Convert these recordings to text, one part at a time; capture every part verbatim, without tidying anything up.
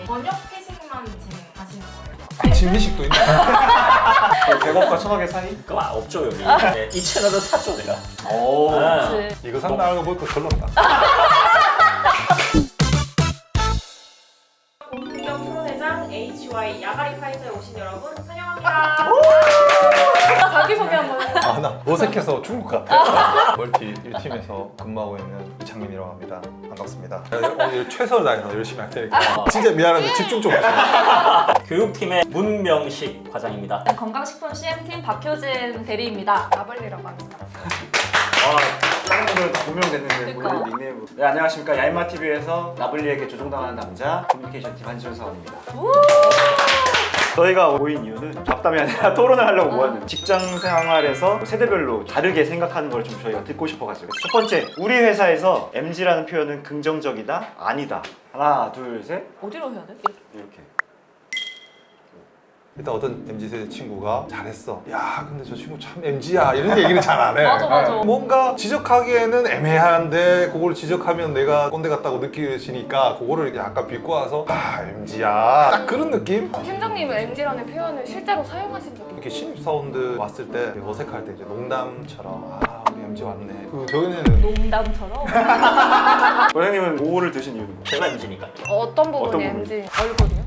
저녁 회식만 진행하시는 거예요? 아침 회식도 있네. 백억과 천억의 사이? 그거 없죠 여기. 네, 이 채널을 샀죠 내가. 오. 아, 그치. 이거 산다는 거 보니까 별로다. 공격 프로대장 에이치와이 야가리 파이터에 오신 여러분 환영합니다. 자기소개 한번 해. 아, 나 어색해서 중국 같아. 멀티 일 팀에서 근무하고 있는 이창민이라고 합니다. 반갑습니다. 오늘 최선을 다해서 열심히 할 테니까 진짜 미안한데 집중 좀 해주세요. 교육팀의 문명식 과장입니다. 건강식품 씨엠팀 박효진 대리입니다. 나블리라고 합니다. 아, 다른 분들은 다 고명됐는데 그러니까. 오늘 닉네임. 네, 안녕하십니까. 야인마티비에서 나블리에게 조종당하는 남자 커뮤니케이션팀 한지훈 사원입니다. 저희가 모인 이유는 잡담이 아니라 토론을 하려고 모았는데 직장 생활에서 세대별로 다르게 생각하는 걸 좀 저희가 듣고 싶어가지고 첫 번째, 우리 회사에서 엠지라는 표현은 긍정적이다? 아니다. 하나, 둘, 셋. 어디로 해야 돼? 이렇게. 일단 어떤 엠지 세대 친구가 잘했어. 야, 근데 저 친구 참 엠지야. 이런 얘기는 잘 안 해. 맞아, 맞아. 뭔가 지적하기에는 애매한데 그걸 지적하면 내가 꼰대 같다고 느껴지니까 그거를 약간 비꼬아서 아, 엠지야. 딱 그런 느낌? 팀장님은 엠지라는 표현을 실제로 사용하신 적이 이렇게 신입사원들 왔을 때 어색할 때 이제 농담처럼 아, 우리 엠지 왔네. 그 저희는 농담처럼. 과장님은 오를 드신 이유는? 제가 엠지니까. 어떤 부분이 어떤 부분? 엠지? 얼굴이요?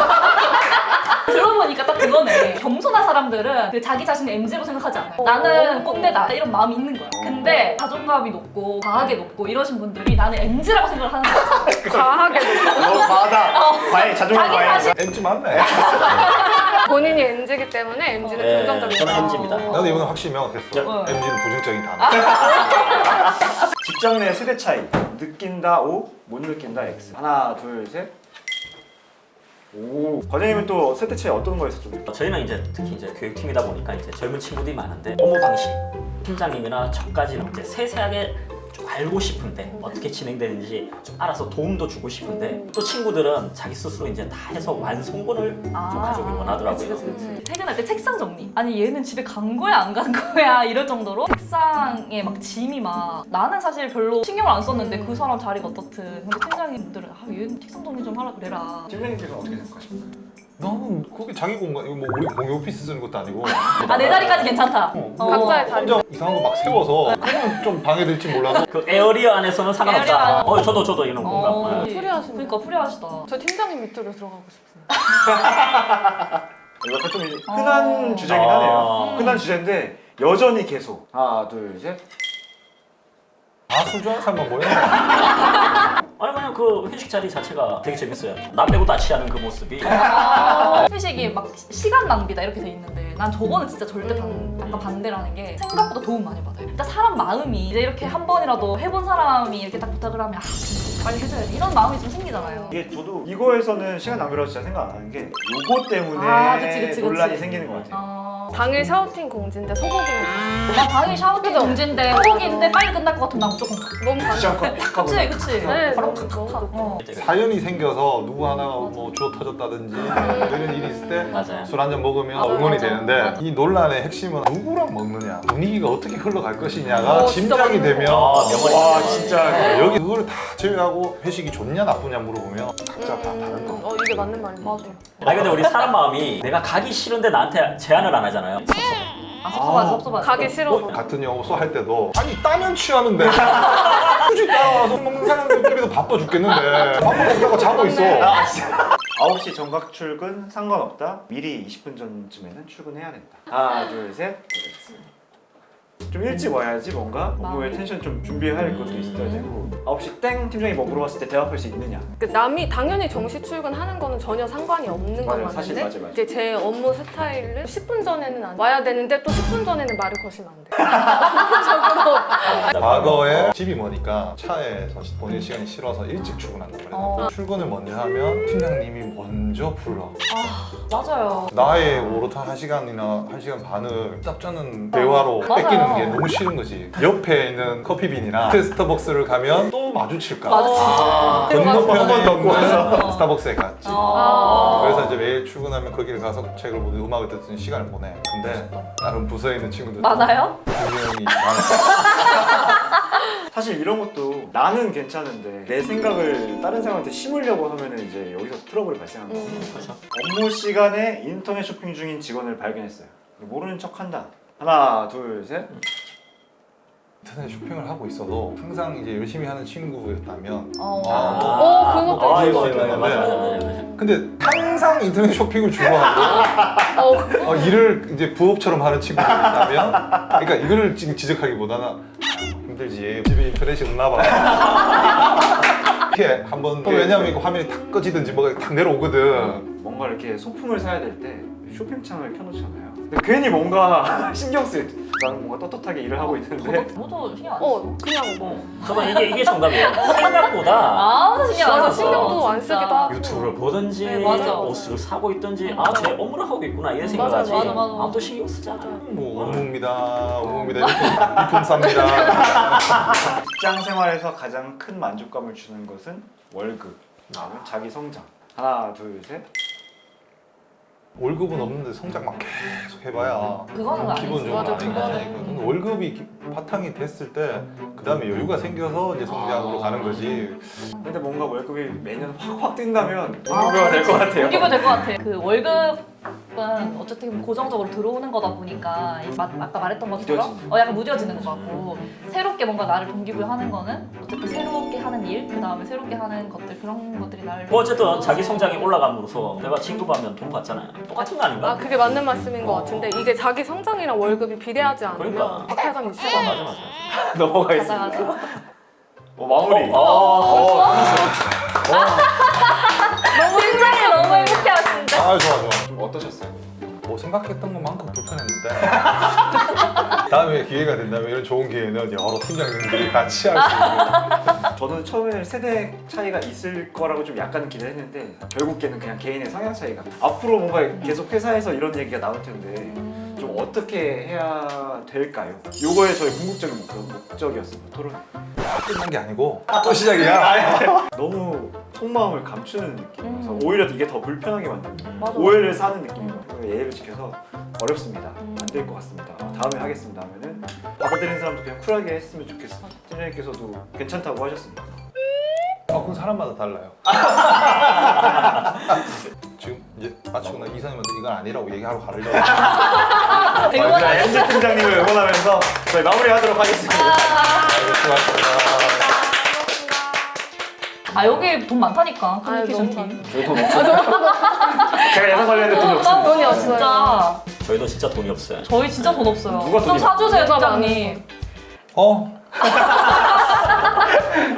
들어보니까 딱 그거네. 겸손한 사람들은 그 자기 자신을 엠지로 생각하지 않아요. 나는 꼰대다 이런 마음이 있는 거야. 근데 자존감이 높고 과하게 높고 이러신 분들이 나는 엠지라고 생각을 하는 거지. 과하게 너무 과하다. 과잉, 자존감 자기 과잉. 자신- 엠지 맞네. 본인이 엠지기 때문에 엠지는 네, 긍정적이다. 저는 엠지입니다. 나도 이번에 확실히 명확했어. 어. 엠지는 부정적인 단어. 직장 내 세대 차이. 느낀다 O, 못 느낀다 X. 하나, 둘, 셋. 오. 과장님은 또 세대 차이 어떤 거에서 좀? 저희는 이제 특히 이제 교육팀이다 보니까 이제 젊은 친구들이 많은데 업무 방식, 팀장님이나 저까지는 이제 세세하게 좀 알고 싶은데 어떻게 진행되는지 좀 알아서 도움도 주고 싶은데 또 친구들은 자기 스스로 이제 다 해서 완성본을 좀 가져오길 원하더라고요. 그치, 그치, 그치. 퇴근할 때 책상 정리. 아니 얘는 집에 간 거야 안 간 거야 이럴 정도로 책상에 막 짐이 막 나는 사실 별로 신경을 안 썼는데 그 사람 자리가 어떻든 근데 팀장님들은 아 얘는 책상 정리 좀 하라 그래라. 팀장님께서는 어떻게 생각하십니까? 나는 거기 자기 공간, 이거 뭐 우리 공유 오피스 쓰는 것도 아니고 아 내 자리까지 괜찮다. 어, 어. 각자의 자리. 혼자 이상한 거 막 세워서 그러면 좀 방해될지 몰라도 그 에어리어 안에서는 상관없다. 에어리어 안에- 어, 저도 저도 이런 어, 공감. 네. 프리하시네. 그러니까 프리하시다. 저 팀장님 밑으로 들어가고 싶어요. 이거 좀 이제 흔한 어. 주제긴 하네요. 아. 흔한 주제인데 여전히 계속. 하나, 둘, 셋. 아, 술 좋아하는 사람만 모여. 아니 그냥 그 회식 자리 자체가 되게 재밌어요. 나 빼고 다 취하는 그 모습이. 아, 회식이 막 시- 시간 낭비다 이렇게 돼 있는데 난 저거는 진짜 절대 반, 음. 약간 반대라는 게 생각보다 도움 많이 받아요. 일단 사람 마음이 이제 이렇게 한 번이라도 해본 사람이 이렇게 딱 부탁을 하면 아 빨리 해줘야지 이런 마음이 좀 생기잖아요. 이게 저도 이거에서는 시간 낭비라고 진짜 생각 안 하는 게 요거 때문에 아, 그치, 그치, 논란이 그치. 생기는 것 같아요. 어... 당일 샤우팅 공지인데 소고기는 나 당일 샤워팅 그죠? 공지인데 소고기인데 빨리 끝날 것 같으면 난 무조건 가. 너무 굳이 않고 반대. 팍 하고. 그치 그치. 네, 바로 너무 탁탁 가. 너무 어. 사연이 생겨서 누구 하나 뭐 주워 터졌다든지 이런 일이 있을 때 맞아요. 술 한 잔 먹으면 맞아, 응원이 맞아, 되는데 맞아. 이 논란의 핵심은 누구랑 먹느냐, 분위기가 어떻게 흘러갈 것이냐가 어, 진짜 짐작이 맞는 되면 거. 아, 명언이다. 와 진짜 네, 여기 그걸 다 제외하고 회식이 좋냐 나쁘냐 물어보면 각자 다 다른 거. 음, 어 이게 맞는 말인 것 같아요. 아니 근데 우리 사람 마음이 내가 가기 싫은데 나한테 제안을 안 하잖아요. 아 섭섭하지 섭섭하지. 가기 싫어서. 같은 영어소 할 때도 아니 따면 취하는데 굳이 따와서 먹는 사람들끼리도 바빠 죽겠는데 밥 먹다가 자고 있어. 아홉 시 정각 출근 상관없다. 미리 이십 분 전쯤에는 출근해야 된다. 하나, 둘, 셋. 좀 일찍 와야지 뭔가 업무에 마음이. 텐션 좀 준비할 것도 있어야 되고 아홉 시 땡 팀장이 뭐 물어봤을 때 대답할 수 있느냐. 그 남이 당연히 정시 출근하는 거는 전혀 상관이 없는 건 맞아요. 사실 맞는데 맞아요, 맞아요. 이제 제 업무 스타일을 십 분 전에는 안 와야 되는데 또 십 분 전에는 말을 거시면 안 돼. 과거에 집이 머니까 차에서 보낼 시간이 싫어서 일찍 출근한단 말이야. 어. 출근을 먼저 하면 팀장님이 먼저 불러. 맞아요. 나의 오롯한 한 시간이나 한 시간 반을 짭짜는 대화로 맞아요. 뺏기는 게 너무 싫은 거지. 옆에 있는 커피빈이나 스타벅스를 가면 또 마주칠까. 맞아. 아, 건너편에 한번 더 구해서. 있는 스타벅스에 갔지. 아. 그래서 이제 매일 출근하면 거기를 가서 책을 보고 음악을 듣는 시간을 보내. 근데 다른 부서에 있는 친구들 많아요? 분명히 많았어. 사실 이런 것도 나는 괜찮은데 내 생각을 다른 사람한테 심으려고 하면은 이제 여기서 트러블이 발생하는 거예요. 음. 그렇죠. 업무 시간에 인터넷 쇼핑 중인 직원을 발견했어요. 모르는 척한다. 하나, 둘, 셋. 인터넷 쇼핑을 하고 있어도 항상 이제 열심히 하는 친구였다면 어. 어, 그것도 아, 있을 이거 수 이거 있는데. 맞아 맞아 맞아 맞아. 근데 항상 인터넷 쇼핑을 주고하고 어, 어, 일을 이제 부업처럼 하는 친구가 있다면 그러니까 이거를 지금 지적하기보다는 아유, 힘들지 집에 인터넷이 없나 봐 이렇게 한번 또 왜냐면 이거 화면이 탁 꺼지든지 뭐가 탁 내려오거든. 뭔가 이렇게 소품을 사야 될 때 쇼핑창을 켜놓잖아요. 근데 괜히 뭔가 신경 쓰여. 나는 뭔가 떳떳하게 일을 하고 있는데 저도 신경 안 써. 어, 그냥 뭐. 저는 이게 이게 정답이에요. 생각보다 아무도 신경 안 맞아, 써. 신경도 안 진짜. 쓰기도 하고. 유튜브를 보든지 네, 맞아. 옷을 사고 있든지 아 쟤 업무를 하고 있구나 이런 맞아, 생각하지 맞아, 맞아. 아무도 신경 쓰지 않아. 뭐 업무입니다 업무입니다 이렇게 이품 쌉니다. 직장 생활에서 가장 큰 만족감을 주는 것은 월급, 다음은 자기 성장. 하나, 둘, 셋. 월급은 없는데 성장만 계속 해봐야 그거는 아니지. 기본적으로 맞아, 아닌 그거는. 거니까. 근데 월급이 기- 바탕이 됐을 때 그 다음에 여유가 생겨서 이제 성장으로 가는 거지. 근데 뭔가 월급이 매년 확확 뛴다면 동기부여가 될 것 같아요. 동기부여 될것 같아. 그 월급은 어쨌든 고정적으로 들어오는 거다 보니까 마, 아까 말했던 것처럼 무뎌지는. 어, 약간 무뎌지는 것 같고 새롭게 뭔가 나를 동기부여하는 거는 어쨌든 새롭게 하는 일, 그 다음에 새롭게 하는 것들 그런 것들이 나를 뭐 어쨌든 자기 성장이 올라감으로써 내가 진급 하면 돈 받잖아요. 똑같은 거 아닌가? 아, 그게 맞는 말씀인 것 같은데 이게 자기 성장이랑 월급이 비례하지 않으면 그러니까. 박탈감이 있을 것 맞아 같아요. 맞아. 넘어가겠습니다. 가자 가자. 어, 마무리. 어, 어, 어, 너무 굉장히 너무 행복해하시는데. 아 좋아 좋아. 좀 어떠셨어요? 뭐 생각했던 것만큼 불편했는데 다음에 기회가 된다면 이런 좋은 기회는 여러 팀장님들이 같이 할 수 있는. 저는 처음에 세대 차이가 있을 거라고 좀 약간 기대했는데 결국에는 그냥 개인의 성향 차이가. 앞으로 뭔가 계속 회사에서 이런 얘기가 나올 텐데 좀 어떻게 해야 될까요? 요거에 저희 궁극적인 목표, 목적이었습니다. 토론. 끝난 게 아니고 또 시작이야. 너무 속마음을 감추는 느낌이어서 음. 오히려 이게 더 불편하게 만드는 맞아. 오해를 사는 느낌이에요. 예의를 지켜서 어렵습니다. 안 될 것 같습니다. 다음에 하겠습니다 하면은 받아들이는 사람도 그냥 쿨하게 했으면 좋겠어. 팀장님께서도 괜찮다고 하셨습니다. 아 그건 사람마다 달라요. 지금 이제 마치고 나 이사님한테 이건 아니라고 얘기하러 가려고. 응원하겠습니다. 엠지 팀장님을 응원하면서 저희 마무리하도록 하겠습니다. 수고하셨습니다. 아 여기 돈 많다니까 아유, 커뮤니케이션 너무 팀. 저희 돈 없어요. 제가 예상 관리했는데 돈이 없습니다. 돈이 없어요. 진짜 저희도 진짜 돈이 없어요. 저희 진짜 돈 없어요. 누가 좀 돈이 사주세요 누가 팀장님. 어?